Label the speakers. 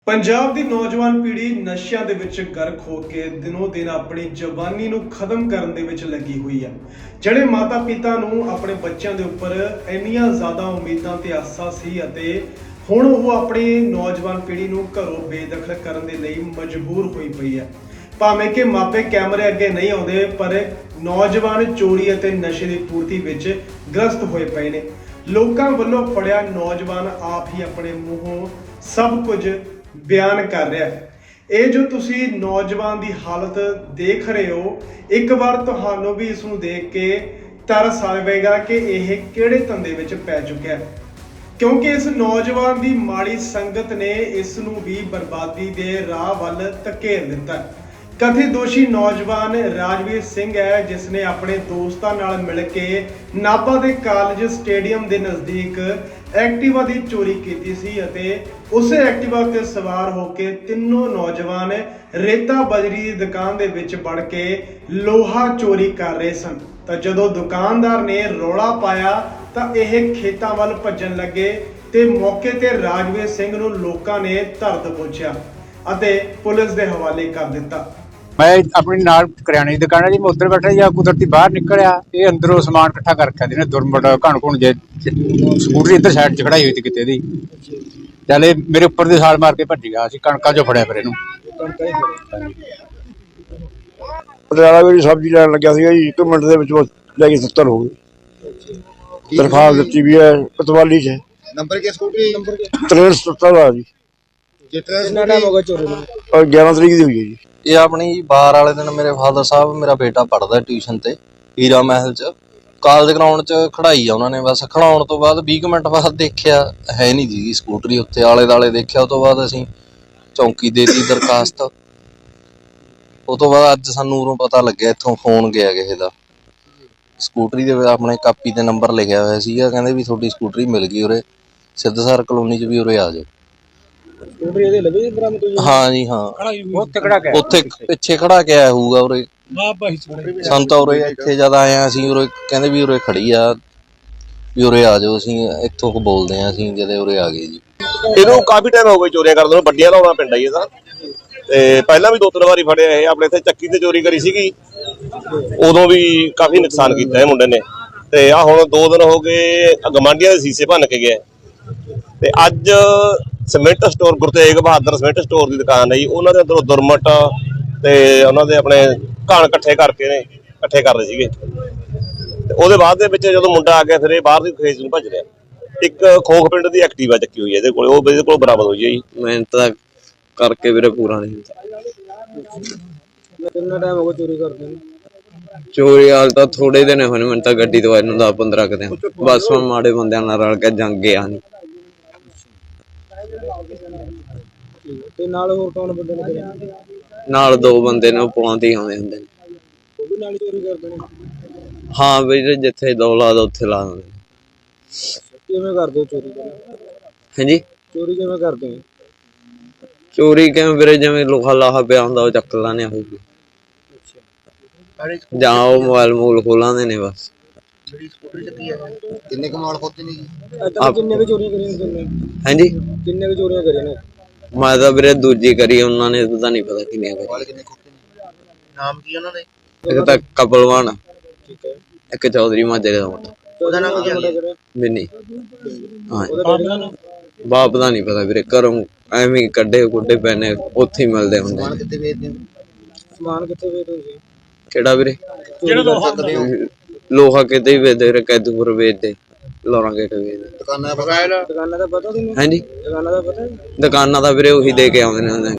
Speaker 1: ਪੰਜਾਬ ਦੀ ਨੌਜਵਾਨ ਪੀੜ੍ਹੀ ਨਸ਼ਿਆਂ ਦੇ ਵਿੱਚ ਗਰਕ ਹੋ ਕੇ ਦਿਨੋਂ ਦਿਨ ਆਪਣੀ ਜਵਾਨੀ ਨੂੰ ਖਤਮ ਕਰਨ ਦੇ ਵਿੱਚ ਲੱਗੀ ਹੋਈ ਹੈ। ਜਿਹੜੇ ਮਾਤਾ ਪਿਤਾ ਨੂੰ ਆਪਣੇ ਬੱਚਿਆਂ ਦੇ ਉੱਪਰ ਇੰਨੀਆਂ ਜ਼ਿਆਦਾ ਉਮੀਦਾਂ ਤੇ ਆਸਾਂ ਸੀ ਅਤੇ ਹੁਣ ਉਹ ਆਪਣੀ ਨੌਜਵਾਨ ਪੀੜ੍ਹੀ ਨੂੰ ਘਰੋਂ ਬੇਦਖਲ ਕਰਨ ਦੇ ਲਈ ਮਜਬੂਰ ਹੋਈ ਪਈ ਹੈ। ਭਾਵੇਂ ਕਿ ਮਾਪੇ ਕੈਮਰੇ ਅੱਗੇ ਨਹੀਂ ਆਉਂਦੇ, ਪਰ ਨੌਜਵਾਨ ਚੋਰੀ ਅਤੇ ਨਸ਼ੇ ਦੀ ਪੂਰਤੀ ਵਿੱਚ ਗ੍ਰਸਤ ਹੋਏ ਪਏ ਨੇ। ਲੋਕਾਂ ਵੱਲੋਂ ਫੜਿਆ ਨੌਜਵਾਨ ਆਪ ਹੀ ਆਪਣੇ ਮੂੰਹੋਂ ਸਭ ਕੁਝ ਬਿਆਨ ਕਰ ਰਿਹਾ ਹੈ। ਇਹ ਜੋ ਤੁਸੀਂ ਨੌਜਵਾਨ ਦੀ ਹਾਲਤ ਦੇਖ ਰਹੇ ਹੋ, ਇੱਕ ਵਾਰ ਤੁਹਾਨੂੰ ਵੀ ਇਸ ਨੂੰ ਦੇਖ ਕੇ ਤਰਸ ਆਵੇਗਾ ਕਿ ਇਹ ਕਿਹੜੇ ਧੰਦੇ ਵਿੱਚ ਪੈ ਚੁੱਕਿਆ ਹੈ, ਕਿਉਂਕਿ ਇਸ ਨੌਜਵਾਨ ਦੀ ਮਾੜੀ ਸੰਗਤ ਨੇ ਇਸ ਨੂੰ ਵੀ ਬਰਬਾਦੀ ਦੇ ਰਾਹ ਵੱਲ ਧਕੇਲ ਦਿੱਤਾ ਹੈ। ਕਥਿਤ ਦੋਸ਼ੀ ਨੌਜਵਾਨ ਰਾਜਵੀਰ ਸਿੰਘ ਹੈ, ਜਿਸ ਨੇ ਆਪਣੇ ਦੋਸਤਾਂ ਨਾਲ ਮਿਲ ਕੇ ਨਾਭਾ ਦੇ ਕਾਲਜ ਸਟੇਡੀਅਮ ਦੇ ਨਜ਼ਦੀਕ ਐਕਟਿਵਾ ਦੀ ਚੋਰੀ ਕੀਤੀ ਸੀ ਅਤੇ ਉਸੇ ਐਕਟਿਵਾ ਤੇ ਸਵਾਰ ਹੋ ਕੇ ਤਿੰਨੋਂ ਨੌਜਵਾਨ ਰੇਤਾ ਬਜਰੀ ਦੀ ਦੁਕਾਨ ਦੇ ਵਿੱਚ ਵੜ ਕੇ ਲੋਹਾ ਚੋਰੀ ਕਰ ਰਹੇ ਸਨ। ਤਾਂ ਜਦੋਂ ਦੁਕਾਨਦਾਰ ਨੇ ਰੌਲਾ ਪਾਇਆ ਤਾਂ ਇਹ ਖੇਤਾਂ ਵੱਲ ਭੱਜਣ ਲੱਗੇ ਤੇ ਮੌਕੇ ਤੇ ਰਾਜਵੀਰ ਸਿੰਘ ਨੂੰ ਲੋਕਾਂ ਨੇ ਧਰ ਦਬੋਚਿਆ ਅਤੇ ਪੁਲਿਸ ਦੇ ਹਵਾਲੇ ਕਰ ਦਿੱਤਾ।
Speaker 2: मैं अपनी नाल करियाने की दुकान है जी, मैं उधर बैठा या कुदरती बाहर निकलिया, ये अंदरों समान इकट्ठा करके आते दुरमट घण घुण जे स्कूटरी इधर साइड च खड़ाई हुई थी किते दी, चल मेरे उपर दी साल मार के भज गया। कणका जो फड़िया फिर इहनूं
Speaker 3: पटियाला भी सब्जी लैन लग्या सीगा जी, 1 मिनट दे विच ले के 70 हो गए। दरखास्त दित्ती भी है कोतवाली च।
Speaker 4: नंबर के स्कूटी नंबर के
Speaker 3: 63 दा जी।
Speaker 4: कितना टाइम हो गया चोरी में?
Speaker 3: और 11 तरीक दी हुई है जी।
Speaker 5: ਇਹ ਆਪਣੀ ਬਾਹਰ ਵਾਲੇ ਦਿਨ ਮੇਰੇ ਫਾਦਰ ਸਾਹਿਬ, ਮੇਰਾ ਬੇਟਾ ਪੜ੍ਹਦਾ ਟਿਊਸ਼ਨ ਤੇ ਹੀਰਾ ਮਹਿਲ ਚ, ਕਾਲਜ ਗਰਾਊਂਡ ਚ ਖੜਾਈ ਆ ਉਹਨਾਂ ਨੇ। ਬਸ ਖੜਾਉਣ ਤੋਂ ਬਾਅਦ 20 ਮਿੰਟ ਬਾਅਦ ਦੇਖਿਆ ਹੈ ਨਹੀਂ ਜੀ ਸਕੂਟਰੀ ਉੱਥੇ, ਆਲੇ ਦਾਲੇ ਦੇਖਿਆ। ਉਹ ਤੋਂ ਬਾਅਦ ਅਸੀਂ ਚੌਂਕੀ ਦੇਤੀ ਦਰਖਾਸਤ। ਉਹ ਤੋਂ ਬਾਅਦ ਅੱਜ ਸਾਨੂੰ ਉਰੋਂ ਪਤਾ ਲੱਗਿਆ, ਇੱਥੋਂ ਫੋਨ ਗਿਆ ਕਿਸੇ ਦਾ, ਸਕੂਟਰੀ ਦੇ ਆਪਣੇ ਕਾਪੀ ਤੇ ਨੰਬਰ ਲਿਖਿਆ ਹੋਇਆ ਸੀਗਾ, ਕਹਿੰਦੇ ਵੀ ਤੁਹਾਡੀ ਸਕੂਟਰੀ ਮਿਲ ਗਈ ਉਰੇ ਸਿੱਧਸਰ ਕਲੋਨੀ ਚ, ਵੀ ਉਰੇ ਆ ਜਾਓ। ਹਾਂ ਜੀ ਹਾਂ, ਉੱਥੇ ਪਿੱਛੇ ਖੜਾ ਕੇ ਆਇਆ ਹੋਊਗਾ ਉਰੇ। ਸਾਨੂੰ ਤਾਂ ਉਰੇ ਇੱਥੇ ਜਦ ਆਏ ਆ ਅਸੀਂ, ਉਰੇ ਕਹਿੰਦੇ ਵੀ ਉਰੇ ਖੜੀ ਆ, ਵੀ ਉਰੇ ਆ ਜਾਓ, ਅਸੀਂ ਇੱਥੋਂ ਬੋਲਦੇ ਆ। ਅਸੀਂ ਜਦੇ ਉਰੇ ਆ ਗਏ ਜੀ।
Speaker 6: ਇਹਨੂੰ ਕਾਫੀ ਟਾਈਮ ਹੋ ਗਿਆ ਚੋਰੀਆਂ ਕਰਦੇ ਨੂੰ, ਵੱਡੀਆਂ ਲਾਉਣਾ ਪਿੰਡ ਆ ਜੀ ਇਹਦਾ। ਤੇ ਪਹਿਲਾਂ ਵੀ 2-3 ਵਾਰੀ ਫੜਿਆ ਇਹ। ਆਪਣੇ ਇੱਥੇ ਚੱਕੀ ਤੇ ਚੋਰੀ ਕਰੀ ਸੀਗੀ, ਉਦੋਂ ਵੀ ਕਾਫੀ ਨੁਕਸਾਨ ਕੀਤਾ ਇਹ ਮੁੰਡੇ ਨੇ। ਤੇ ਆ ਹੁਣ 2 ਦਿਨ ਹੋ ਗਏ ਗਵਾਂਢੀਆਂ ਦੇ ਸੀਸੇ ਭੰਨ ਕੇ ਗਏ। ਤੇ ਅੱਜ cement store, Guru Tegh Bahadur cement store ਦੀ ਦੁਕਾਨ ਹੈ ਜੀ, ਉਹਨਾਂ ਦੇ ਅੰਦਰੋਂ ਦੁਰਮਟ ਤੇ ਉਹਨਾਂ ਦੇ ਆਪਣੇ ਘਣ ਇਕੱਠੇ ਕਰ ਰਹੇ ਸੀਗੇ। ਤੇ ਉਹਦੇ ਬਾਅਦ ਦੇ ਵਿੱਚ ਜਦੋਂ ਮੁੰਡਾ ਆ ਗਿਆ, ਫਿਰ ਇਹ ਬਾਹਰ ਦੀ ਖੇਤ ਨੂੰ ਭੱਜ ਰਿਹਾ। ਇੱਕ ਖੋਖ ਪਿੰਡ ਦੀ ਐਕਟਿਵਾ ਚੱਕੀ ਹੋਈ ਹੈ ਇਹਦੇ ਕੋਲ, ਉਹ ਇਹਦੇ ਕੋਲ ਬਰਾਮਦ ਹੋਈ ਹੈ ਜੀ।
Speaker 5: ਮਿਹਨਤ ਤਾਂ ਕਰਕੇ ਵੀਰੇ ਪੂਰਾ ਨਹੀਂ ਹੁੰਦਾ।
Speaker 4: कितना टाइम हो गया चोरी करते हैं?
Speaker 5: ਚੋਰੀ ਹਾਲ ਤਾਂ ਥੋੜੇ ਦਿਨ ਹੋਏ ਨੇ, ਮੈਨੂੰ ਤਾਂ ਗੱਡੀ ਦਵਾਈ ਨੂੰ 10-15 ਕੁ ਦਿਨ। ਬਸ ਹੁਣ ਮਾੜੇ ਬੰਦਿਆਂ ਨਾਲ ਰਲ ਕੇ ਜੰਗ ਗਿਆ ਨਹੀਂ।
Speaker 4: ਤੇ ਨਾਲ ਹੋਰ ਕੌਣ ਬੰਦੇ ਨੇ ਕਰਿਆ?
Speaker 5: ਨਾਲ 2 ਬੰਦੇ ਨੇ, ਉਹ ਪੁਲਾਂ ਤੇ ਆਉਂਦੇ ਹੁੰਦੇ ਨੇ।
Speaker 4: ਉਹ ਵੀ ਨਾਲ ਚੋਰੀ ਕਰਦੇ ਨੇ?
Speaker 5: ਹਾਂ ਵੀਰੇ, ਜਿੱਥੇ ਦੌਲਾਦ ਉੱਥੇ ਲਾ ਦਿੰਦੇ ਨੇ।
Speaker 4: ਕਿਵੇਂ ਕਰਦੇ ਹੋ ਚੋਰੀ?
Speaker 5: ਹਾਂਜੀ,
Speaker 4: ਚੋਰੀ ਕਿਵੇਂ ਕਰਦੇ ਹੋ?
Speaker 5: ਚੋਰੀ ਕਿਵੇਂ ਵੀਰੇ, ਜਿਵੇਂ ਲੋਹਾ ਲਾਹਾ ਪਿਆ ਹੁੰਦਾ ਉਹ ਚੱਕ ਲਾਣੇ ਹੋਊਗੀ, ਜਾਂ ਉਹ ਮੋਬਾਈਲ ਮੂਲ ਖੋਲਾਂਦੇ ਨੇ ਬਸ।
Speaker 4: ਕਿੰਨੇ ਕਮਾਲ ਖੋਤੇ ਨੇ ਜੀ? ਕਿੰਨੇ ਕੁ ਚੋਰੀਆਂ ਕਰੀਆਂ ਨੇ?
Speaker 5: ਹਾਂਜੀ,
Speaker 4: ਕਿੰਨੇ ਕੁ ਚੋਰੀਆਂ ਕਰੀਆਂ ਨੇ?
Speaker 5: ਮੈਂ ਤਾਂ ਵੀਰੇ ਦੂਜੀ ਕਰੀ, ਉਹਨਾਂ ਨੇ ਤਾਂ ਨਹੀਂ ਪਤਾ ਕਿੰਨੀਆਂ ਕਰੀ।
Speaker 4: ਨਾਮ ਕੀ ਉਹਨਾਂ ਦੇ?
Speaker 5: ਇੱਕ ਤਾਂ ਕਪਲਵਾਨ,
Speaker 4: ਠੀਕ ਹੈ।
Speaker 5: ਇੱਕ ਚੌਧਰੀ ਮਾਜਰੇ ਦਾ ਮੁੰਡਾ।
Speaker 4: ਉਹਦਾ ਨਾਮ ਕੀ ਹੈ?
Speaker 5: ਬਿੰਨੀ। ਹਾਂ,
Speaker 4: ਉਹਦਾ ਡੈਡੀ ਦਾ ਨਾਮ?
Speaker 5: ਬਾਪ ਦਾ ਨਹੀਂ ਪਤਾ ਵੀਰੇ, ਘਰੋਂ ਐਵੇਂ ਕੱਢੇ ਗੁੱਡੇ ਪੈਨੇ ਉੱਥੇ ਹੀ ਮਿਲਦੇ ਹੁੰਦੇ।
Speaker 4: ਸਮਾਨ ਕਿੱਥੇ ਵੇਚਦੇ ਹੋ? ਸਮਾਨ ਕਿੱਥੇ ਵੇਚਦੇ ਹੋ?
Speaker 5: ਕਿਹੜਾ ਵੀਰੇ? ਲੋਹਾ ਕਿਤੇ ਹੀ ਵੇਚਦੇ ਵੀਰੇ, ਕੈਦੂਪੁਰ ਵੇਚਦੇ, ਲੋਰਾਂ ਗੇਟ ਵੇਚਦੇ।
Speaker 4: ਦੁਕਾਨਾਂ ਦਾ ਪਤਾ ਤੁਹਾਨੂੰ?
Speaker 5: ਹਾਂਜੀ,
Speaker 4: ਦੁਕਾਨਾਂ ਦਾ ਪਤਾ?
Speaker 5: ਦੁਕਾਨਾਂ ਦਾ ਵੀਰੇ ਉਹੀ ਦੇ ਕੇ ਆਉਂਦੇ ਨੇ।